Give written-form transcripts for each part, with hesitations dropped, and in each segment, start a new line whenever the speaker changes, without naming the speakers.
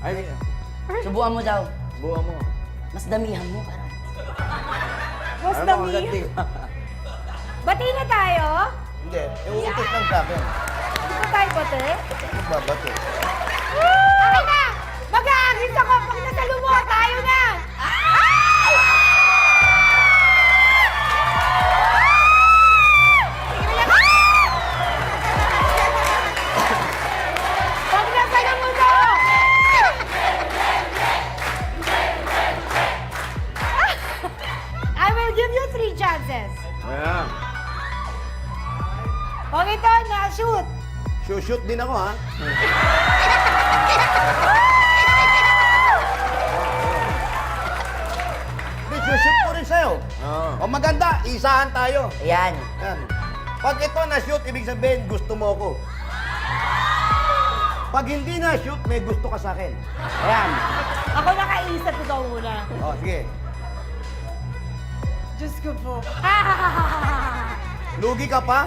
Ay,
Subukan mo daw.
buha mo.
Mas damihan mo, parang.
Mas
Ano,
dami.
ganti ka.
Bati na tayo?
Hindi, iuutot lang sa akin.
Hindi pa tayo bati?
Magbabato.
Okay na! Mag-aagis ako pag nasalumuha tayo na! Pag nasalumuha! I will give you 3 chances.
Ayan.
Pag ito, na-shoot.
Shoot din ako, ha? Hindi, shoot ko rin sa'yo.
Oo.
O maganda, isahan tayo.
Ayan.
Yan. Pag ito na-shoot, ibig sabihin, gusto mo ako. Pag hindi na-shoot, may gusto ka sa akin.
Ayan.
Ako nakaisip ikaw muna.
O, sige.
Diyos ko po.
Lugi ka pa?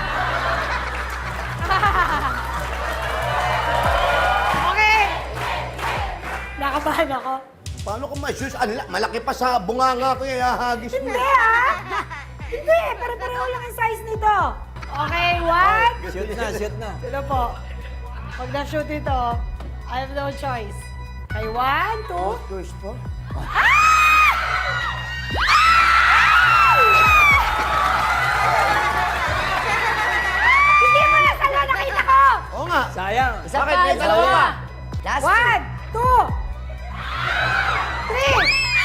Okay. Nakabahan ako.
Paano kung ma-shoot? Malaki pa sa bunganga ko, ihahagis mo.
Hindi ah! Hindi, pero pareho lang ang size nito. Okay, one.
Shoot na, shoot na.
Sino po? Pag na-shoot ito, I have no choice. Okay, one, two.
First po?
Hindi mo nasalo, nakita ko!
Oo nga.
Sayang.
Isa
Bakit?
pa,
May
isa
dalawa
pa.
pa.
Last
One, two, three.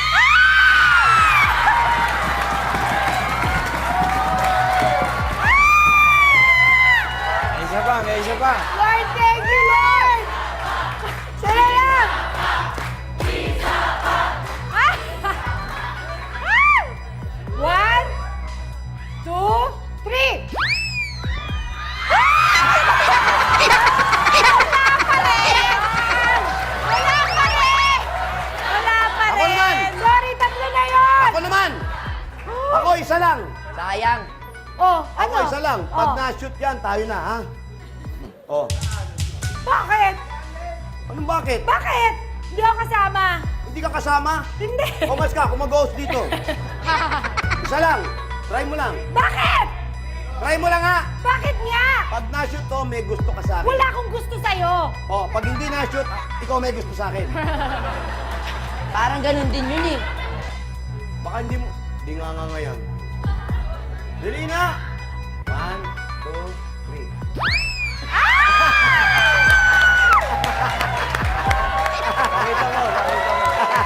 May isa pa, may isa pa.
Lord, thank you, Lord! Sila lang! One, two, three! Wala pa rin! Wala pa
Ako naman!
rin! Sorry, tatlo na yun!
Ako naman! Ako isa lang.
Sayang.
Oh,
Ako
ano?
isa lang. Pag
Oh.
na-shoot yan, tayo na, ha? Oh.
Bakit?
Anong bakit?
Bakit? Hindi ako kasama.
Hindi ka kasama?
Hindi.
Kumas ka, kumag-host dito. Isa lang. Try mo lang.
Bakit?
Try mo lang, ha?
Bakit nga?
Pag na-shoot to, may gusto ka sa akin.
Wala akong gusto sa'yo.
Oh, pag hindi na-shoot, ikaw may gusto sa akin.
Parang ganun din yun eh.
Baka hindi mo... Di nga ngayon. Dili na! 1, 2, 3.
Pakita mo, pakita mo.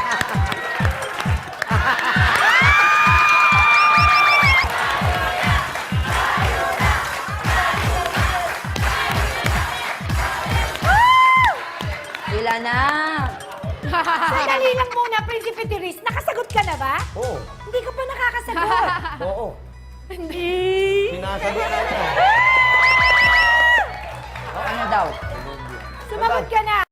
Sila na.
Sandali lang muna, Prinsipe Tiris. Nakasagot ka na ba?
Oo.
Hindi ka pa nakakasagot.
Oo.
Hindi.
Sinasagot na ito.
O ano daw?
Sumagot ka na.